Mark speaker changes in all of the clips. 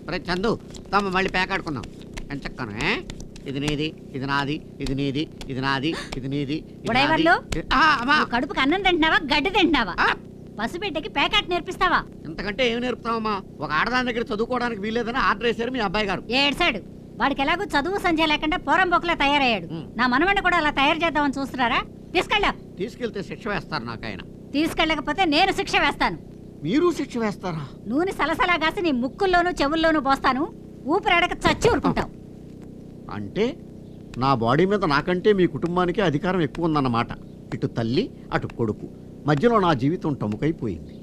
Speaker 1: చందు తమ మళ్ళీ పేకాడుకుందాం అని చెక్కను. ఇది నీది, ఇది నాది, ఇది నీది, ఇది నాది, ఇది నీది.
Speaker 2: కడుపుకి అన్నం తింటున్నావా, గడ్డి తింటున్నావా? పసిబిడ్డకి పేకాట నేర్పిస్తావా?
Speaker 1: ఇంతకంటే ఏమి నేర్పుతావమ్మా? ఒక ఆడదాని దగ్గర చదువుకోవడానికి వీల్లేదని ఆర్డర్ వేశారు మీ అబ్బాయి గారు.
Speaker 2: ఏడ్సాడు. వాడికి ఎలాగో చదువు సంజయ్ లేకుండా పోరంబోకులా తయారయ్యాడు. నా మనవణ్ణి కూడా అలా తయారు చేద్దామని చూస్తున్నారా?
Speaker 1: తీసుకెళ్తే శిక్ష వేస్తారు నాకైనా.
Speaker 2: తీసుకెళ్ళకపోతే నేను శిక్ష వేస్తాను.
Speaker 1: మీరు శిక్ష వేస్తారా?
Speaker 2: నూనె సలసలా కాసి నీ ముక్కుల్లోనూ చెవుల్లోనూ పోస్తాను. ఊపిరాడక చచ్చి ఊరుకుంటావు.
Speaker 1: అంటే నా బాడీ మీద నాకంటే మీ కుటుంబానికి అధికారం ఎక్కువ ఉందన్నమాట. ఇటు తల్లి అటు కొడుకు మధ్యలో నా జీవితం టముకైపోయింది.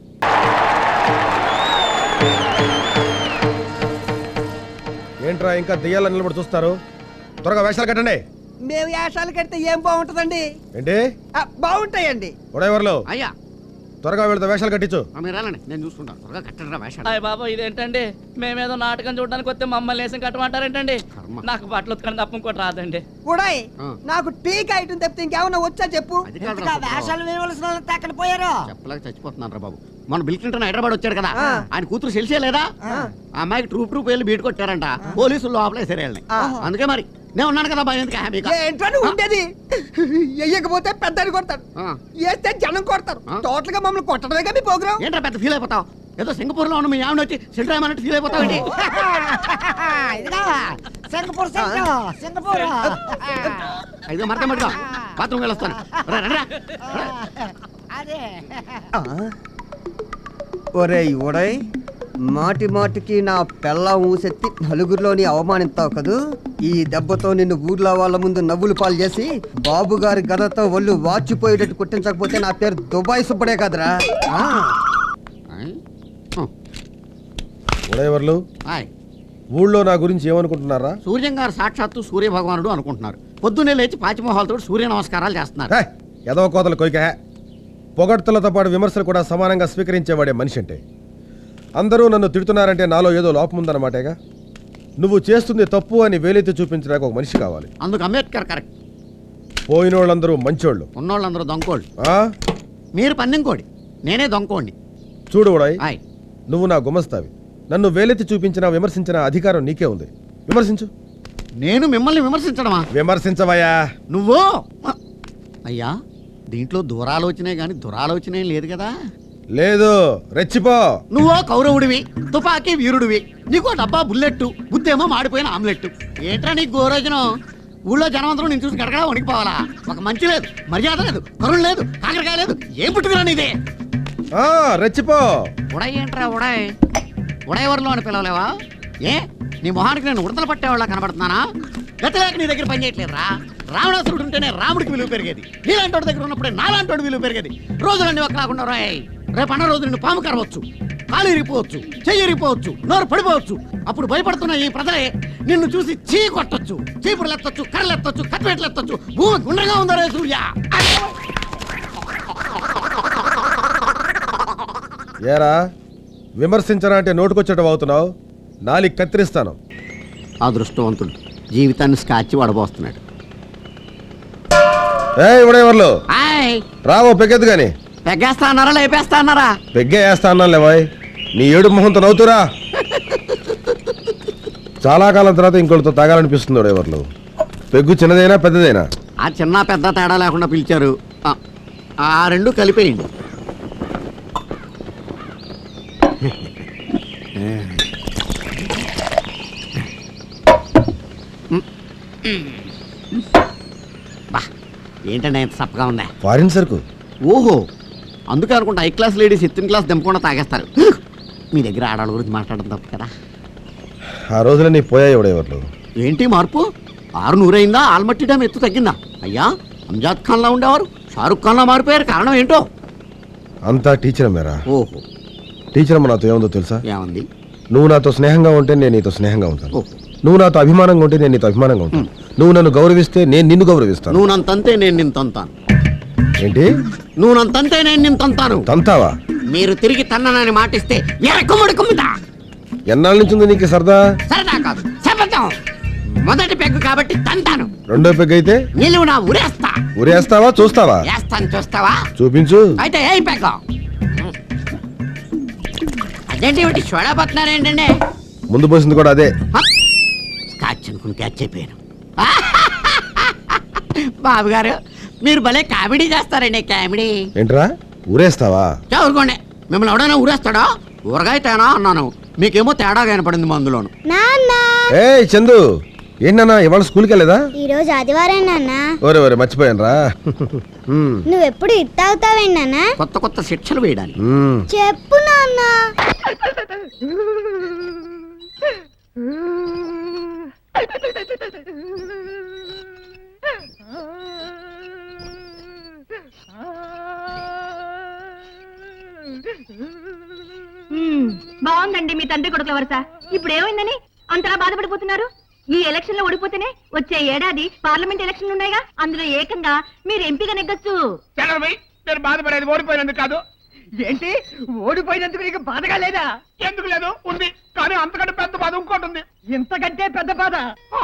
Speaker 3: ఏంట్రా ఇంకా దెయ్యాలని నిలబడి చూస్తారు? త్వరగా వేషాలు కట్టండి.
Speaker 4: మేము వేషాలు కడితే ఏం బాగుంటుందండి?
Speaker 3: ఏంటి
Speaker 4: బాగుంటాయండి.
Speaker 1: ఉడేవర్లు అయ్యా
Speaker 3: త్వరగా వెళ్తే వేషాలు కట్టించు.
Speaker 1: మీరు వెళ్ళండి, నేను చూసుకుంటాను. త్వరగా కట్టండి వేషాలు.
Speaker 5: అయ్య బాబా ఇదేంటండి? మేమేదో నాటకం చూడడానికి వస్తే మమ్మల్ని వేసం కట్టమంటారేంటండి? నాకు బట్టలు ఉతకడం తప్ప ఇంకోటి రాదండి.
Speaker 4: ఉడాయ్ నాకు టీకా ఐటమ్ తప్పితే ఇంకేమన్నా వచ్చా చెప్పు. వేషాలు వేయవలసిన అక్కడ పోయారు.
Speaker 1: చెప్పలేక చచ్చిపోతున్నాను రా బాబు. మన బిల్ క్లింటన్ హైదరాబాద్ వచ్చాడు కదా, ఆయన కూతురు తెలిసే లేదా? ఆ అమ్మాయికి ట్రూప్ వెళ్ళి బీట్ కొట్టారంట. పోలీసులు లోపలేసారు వెళ్ళి. అందుకే మరి నేను ఉన్నాను కదా భయం.
Speaker 4: ఏంటో ఉండేది వెయ్యకపోతే పెద్దని కొడతాడు, వేస్తే జనం కొడతారు. టోటల్ గా మమ్మల్ని కొట్టడమే కదా మీ ప్రోగ్రాం.
Speaker 1: ఏంటో పెద్ద ఫీల్ అయిపోతావు. ఏదో సింగపూర్ లో ఉన్న మీ ఆవిడ వచ్చి సెంటర్ అన్నట్టు ఫీల్ అయిపోతావు. అయితే మరక మటుగా బాత్రూమ్ వెళ్ళొస్తాను.
Speaker 4: ఒరేయ్ ఒడయ్, మాటి మాటికి నా పెళ్ళ ఊసెత్తి నలుగురిలోని అవమానిస్తావు కదూ. ఈ దెబ్బతో నిన్ను ఊర్లో వాళ్ళ ముందు నవ్వులు పాలు చేసి బాబు గారి గదతో ఒళ్ళు వాచిపోయేటట్టు కుట్టించకపోతే నా పేరు దుబాయ్ సుబ్బడే కదరా.
Speaker 3: ఉడేవర్లు ఊళ్ళో నా గురించి ఏమనుకుంటున్నారా?
Speaker 1: సూర్యం గారు సాక్షాత్తు సూర్య భగవానుడు అనుకుంటున్నారు. పొద్దున్నే లేచి పాచిమోహాలతో సూర్య నమస్కారాలు చేస్తున్నారు.
Speaker 3: ఎదవ కోతలు కొయ్క. పొగడ్తలతో పాటు విమర్శలు కూడా సమానంగా స్వీకరించేవాడే మనిషి అంటే. అందరూ నన్ను తిడుతున్నారంటే నాలో ఏదో లోపం ఉందన్నమాటేగా. నువ్వు చేస్తుంది తప్పు అని వేలెత్తి చూపించడానికి ఒక మనిషి కావాలి.
Speaker 1: అందుకు అంబేద్కర్ కరెక్ట్.
Speaker 3: పోయిన వాళ్ళందరూ మంచోళ్ళు,
Speaker 1: ఉన్నోళ్ళందరూ దొంకోళ్ళు. మీరు పన్నెంకోడి, నేనే దొంకోండి.
Speaker 3: చూడు ఉడాయ్, నువ్వు నా గుమస్తావి. నన్ను వేలెత్తి చూపించిన విమర్శించిన అధికారం నీకే ఉంది. విమర్శించు.
Speaker 1: నేను మిమ్మల్ని విమర్శించడమా?
Speaker 3: విమర్శించవయ్యా
Speaker 1: నువ్వు. అయ్యా దీంట్లో దూరాలోచనే గాని దురాలోచనే లేదు కదా?
Speaker 3: లేదు, రెచ్చిపో.
Speaker 1: నువ్వో కౌరవుడివి, తుపాకీ వీరుడివి. నీకో డబ్బా బుల్లెట్టు, బుద్ధేమో మాడిపోయిన ఆమ్లెట్టు. ఏంట్రా నీకు గోరోజనం? ఊళ్ళో జనమంతరం నేను చూసి గడగడా వణికిపోవాలా? ఒక మంచి లేదు, మర్యాద లేదు, కరుణ లేదు, కాకరకాయ లేదు. ఏం పుట్టుకురా నీదే?
Speaker 3: రెచ్చిపో.
Speaker 1: ఉడాయ్ ఏంట్రా ఉడాయ్? ఉడయవర్లో అని పిలవలేవా? ఏ నీ మొహానికి నేను ఉడతలు పట్టేవాళ్ళ కనబడుతున్నానా? గతలేక నీ దగ్గర పని చేయట్లేదురా. రావణాసురుడు ఉంటేనే రాముడికి విలువ పెరిగేది. నీలాంటి వాడి దగ్గర ఉన్నప్పుడే నాలాంటి విలువ పెరిగేది. రోజులన్నీ ఒక రాకుండా రాయ్. రేపు అన్న రోజు నిన్ను పాము కరవచ్చు, కాలు ఇరిగిపోవచ్చు, చెయ్యి ఇరిగిపోవచ్చు, నోరు పడిపోవచ్చు. అప్పుడు భయపడుతున్న ఈ ప్రజలే నిన్ను చూసి చీ కొట్టొచ్చు, చీపురులు ఎత్తొచ్చు, కర్రలు ఎత్తొచ్చు, కత్తిపేటలు ఎత్తొచ్చు. భూమి గుండ్రంగా ఉందరే సూర్య.
Speaker 3: ఏరా విమర్శించరా అంటే నోటుకొచ్చేటవి అవుతున్నావు. నాలికి కత్తిరిస్తాను.
Speaker 1: అదృష్టవంతుడు జీవితాన్ని స్కాచ్ వడబోస్తున్నాడు.
Speaker 3: ఉడేవర్లు రావో పెగ్గెద్దు గాని.
Speaker 1: పెగ్గేస్తా అన్నారా లేపేస్తా అన్నారా?
Speaker 3: పెగ్గే వేస్తా అన్నా లేవాయ్. నీ ఏడు మొహంతో నవ్వుతురా. చాలా కాలం తర్వాత ఇంకోటితో తాగాలనిపిస్తుంది ఉడేవర్లు. పెగ్గు చిన్నదైనా పెద్దదైనా?
Speaker 1: ఆ చిన్న పెద్ద తేడా లేకుండా పిలిచారు. ఆ రెండు కలిపేయండి. ఏంటంటే ఎంత సప్పగా ఉందా?
Speaker 3: ఫారిన్ సరుకు.
Speaker 1: ఓహో, అందుకే అనుకుంటా హై క్లాస్ లేడీస్ ఎత్తిన క్లాస్ దింపకుండా తాగేస్తారు. మీ దగ్గర ఆడవాళ్ళ గురించి మాట్లాడడం తప్పు కదా.
Speaker 3: ఆ రోజులన్నీ పోయాయి ఉడేవర్లు.
Speaker 1: ఏంటి మార్పు? 600 అయిందా? ఆల్మట్టి డ్యామ్ ఎత్తు తగ్గిందా? అయ్యా అంజాద్ ఖాన్లా ఉండేవారు షారుఖ్ ఖాన్లా మారిపోయారు. కారణం ఏంటో?
Speaker 3: అంతా టీచర్ మేరా.
Speaker 1: ఓహో,
Speaker 3: టీచర్ అమ్మ నాతో ఏముందో తెలుసా?
Speaker 1: ఏమంది?
Speaker 3: నువ్వు నాతో స్నేహంగా ఉంటే నేను నీతో స్నేహంగా ఉంటాను. నువ్వు నాతో అభిమానంగా ఉంటే నేను నీతో అభిమానంగా ఉంటాను. నువ్వు నన్ను గౌరవిస్తే నేను నిన్ను గౌరవిస్తాను.
Speaker 1: నువ్వు నన్ను తంతే నేను నిన్ను తంతాను.
Speaker 3: ఏంటి?
Speaker 1: నువ్వు నన్ను తంతే నేను నిన్ను తంతాను.
Speaker 3: తంతావా?
Speaker 1: మీరు తిరిగి తన్ననని మాటిస్తే ఎరకుముడి కుమ్మిదా.
Speaker 3: ఎన్నాళ్ళ నుంచి ఉంది నీకు సరదా?
Speaker 1: సరదా కాదు, శపథం. మొదటి పెగ్గు కాబట్టి తంతాను.
Speaker 3: రెండో పెగ్గు అయితే
Speaker 1: నిలువు నా ఉరేస్తా.
Speaker 3: ఉరేస్తావా? చూస్తావా?
Speaker 1: వేస్తాను, చూస్తావా?
Speaker 3: చూపించు.
Speaker 1: అయితే ఏ పెగ్గ? అదేంటి సోడా పడుతున్నారు ఏంటండి?
Speaker 3: ముందు పోసింది కూడా అదే.
Speaker 1: స్కాచ్ అనుకుని క్యాచ్ అయిపోయాను. బాబు గారు మీరు భలే కామెడీ చేస్తారండి. కామెడీ
Speaker 3: ఏంట్రా ఊరేస్తావా?
Speaker 1: ఊరుకోండి. మిమ్మల్ని ఎవడైనా ఊరేస్తాడా? ఊరగాయ తేనా అన్నాను, మీకేమో తేడా కనపడింది మందులోను.
Speaker 3: ఏ చందు, ఏంటన్నా ఇవాళ స్కూల్కి వెళ్ళేదా?
Speaker 6: ఈ రోజు ఆదివారం నాన్న.
Speaker 3: ఓరే మర్చిపోయాను రా.
Speaker 6: నువ్వెప్పుడు ఇట్టావుతావేంటి నాన్న?
Speaker 1: కొత్త కొత్త శిక్షలు వేయడానికి.
Speaker 6: చెప్పు నాన్న.
Speaker 2: బాగుందండి మీ తండ్రి కొడుకుల వరుస. ఇప్పుడు ఏమైందని అంతలా బాధపడిపోతున్నారు? ఈ ఎలక్షన్ లో ఓడిపోతేనే వచ్చే ఏడాది పార్లమెంట్ ఎలక్షన్లు ఉన్నాయిగా, అందులో ఏకంగా మీరు ఎంపీగా నెగ్గొచ్చు.
Speaker 7: నేను బాధపడేది ఓడిపోయినందుకు కాదు.
Speaker 4: ఏంటి ఓడిపోయినందుకు నీకు బాధగా లేదా?
Speaker 7: ఎందుకు లేదు, ఉంది. కానీ అంతకంటే పెద్ద బాధ ఇంకోటి ఉంది.
Speaker 4: ఇంతకంటే పెద్ద బాధ?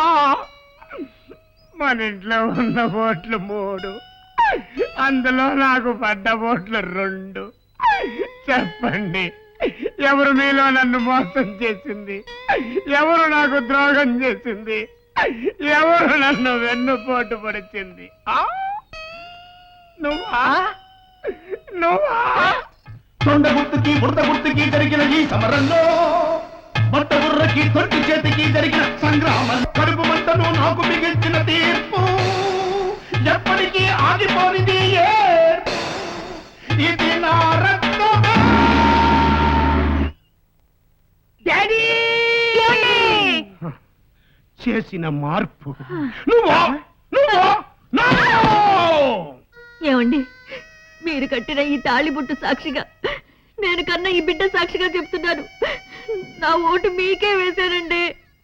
Speaker 7: మన ఇంట్లో ఉన్న ఓట్లు 3, అందులో నాకు పడ్డ ఓట్లు 2. చెప్పండి, ఎవరు మీలో నన్ను మోసం చేసింది? ఎవరు నాకు ద్రోహం చేసింది? ఎవరు నన్ను వెన్నుపోటు పడిచింది? నువ్వా?
Speaker 8: తొండ గుర్తుకి బుట్ట గుర్తుకి జరిగిన ఈ సమరంలో, బట్ట బుర్రకి తొట్టి చేతికి జరిగిన సంగ్రామం, కడుపు మంటను నాకు మిగిల్చిన తీర్పు ఎప్పటికీ ఆగిపోనిది. ఇది నా రక్తమే.
Speaker 7: చేసిన మార్పు నువ్వా?
Speaker 2: ఏమండి, మీరు కట్టిన ఈ తాళిబొట్టు సాక్షిగా, నేను కన్నా ఈ బిడ్డ సాక్షిగా చెప్తున్నాను, నా ఓటు మీకే వేశానండి.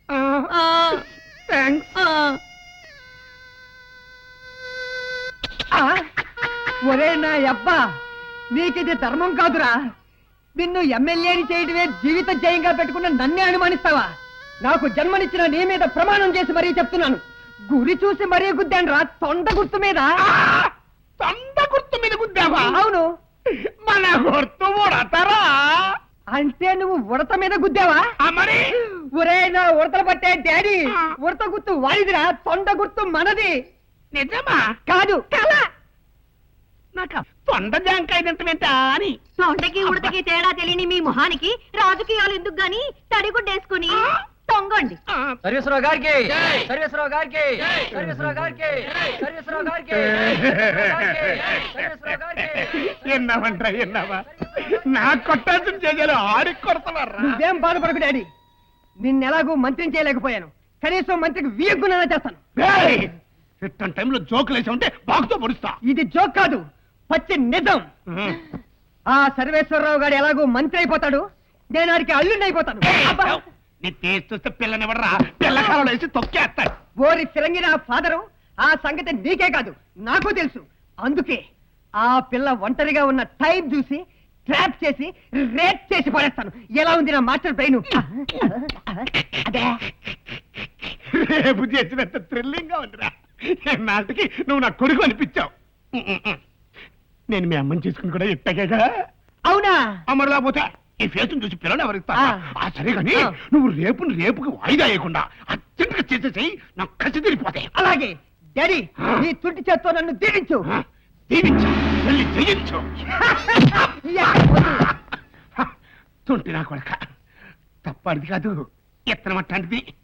Speaker 4: ఒరే నా అబ్బా, నీకిది ధర్మం కాదురా. నిన్ను ఎమ్మెల్యేని చేయడమే జీవిత జయంగా పెట్టుకున్న నన్నే అనుమానిస్తావా? నాకు జన్మనిచ్చిన నీ మీద ప్రమాణం చేసి మరీ చెప్తున్నాను, గురి చూసి మరీ గుద్దాను రా, తొండ గుర్తు మీద.
Speaker 7: తొండ గుర్తు మీద గుద్దావా?
Speaker 4: అవును.
Speaker 7: మన గుర్తు ఉడతరా?
Speaker 4: అంటే నువ్వు ఉడత మీద గుద్దావా?
Speaker 7: మరి
Speaker 4: ఒరే నా ఉడతలు పట్టే డాడీ, ఉడత గుర్తు వాడిదిరా, తొండ గుర్తు మనది.
Speaker 7: నిజమా?
Speaker 4: కాదు కళ.
Speaker 7: నాకు తొండ జాంకాయ తింటమేంటా అని.
Speaker 2: తొండకి ఉడతకి తేడా తెలియని మీ మొహానికి రాజకీయాలు ఎందుకు గాని తడిగుడ్డేసుకుని తొంగండి.
Speaker 5: సర్వేశ్వరరావు గారికి, సర్వేశ్వరరావు గారికి, సర్వేశ్వరరావు గారికి, సర్వేశ్వరరావు గారికి, సర్వేశ్వరరావు గారికి.
Speaker 7: ఎన్నావా? నా కొట్టాల్సిన చేయాలి, ఆడికి కొడతావారా?
Speaker 4: నువ్వేం బాధపడకు డాడీ, నిన్నెలాగూ మంత్రిని చేయలేకపోయాను, కనీసం మంత్రికి వీయగ్గునైనా చేస్తాను.
Speaker 7: ఇట్టని టైంలో జోకులు వేసి ఉంటే బాగుతో పొడుస్తా.
Speaker 4: ఇది జోక్ కాదు, పచ్చి నిజం. ఆ సర్వేశ్వరరావు గారు ఎలాగూ మంత్రి అయిపోతాడు, నేను ఆడికి అల్లుండి అయిపోతాను.
Speaker 7: నీ టేస్ట్ చూస్తే పిల్లనివ్వడరా, పిల్లకాలలో వేసి తొక్కేస్తాడు.
Speaker 4: ఓరి ఫిరంగి నా ఫాదరు, ఆ సంగతి నీకే కాదు నాకు తెలుసు. అందుకే ఆ పిల్ల ఒంటరిగా ఉన్న టైం చూసి ట్రాప్ చేసి రేప్ చేసి పడేస్తాను. ఎలా ఉంది నా మాస్టర్ బ్రెయిన్? అదే
Speaker 7: రేపు చేసినంత థ్రిల్లింగ్ గా ఉందిరా. నాటికి నువ్వు నా కొడుకు అనిపించావు. నేను మీ అమ్మని చేసుకుని కూడా ఇట్టగా.
Speaker 4: అవునా?
Speaker 7: అమ్మరు లేకపోతే ఈ ఫేసును చూసి పిల్లలు ఎవరిస్తా? సరే కానీ నువ్వు రేపుకి వాయిదా వేయకుండా అర్జెంటుగా చేసేసి నాకు కసి తిరిగిపోతాయి.
Speaker 4: అలాగే డాడీ, నీ తుట్టి చేత్తో నన్ను దీవించు.
Speaker 7: దీవించు, వెళ్ళి జయించు. తుంటి నా కొడక, తప్పటిది కాదు, ఎత్తనమట్టాంటిది.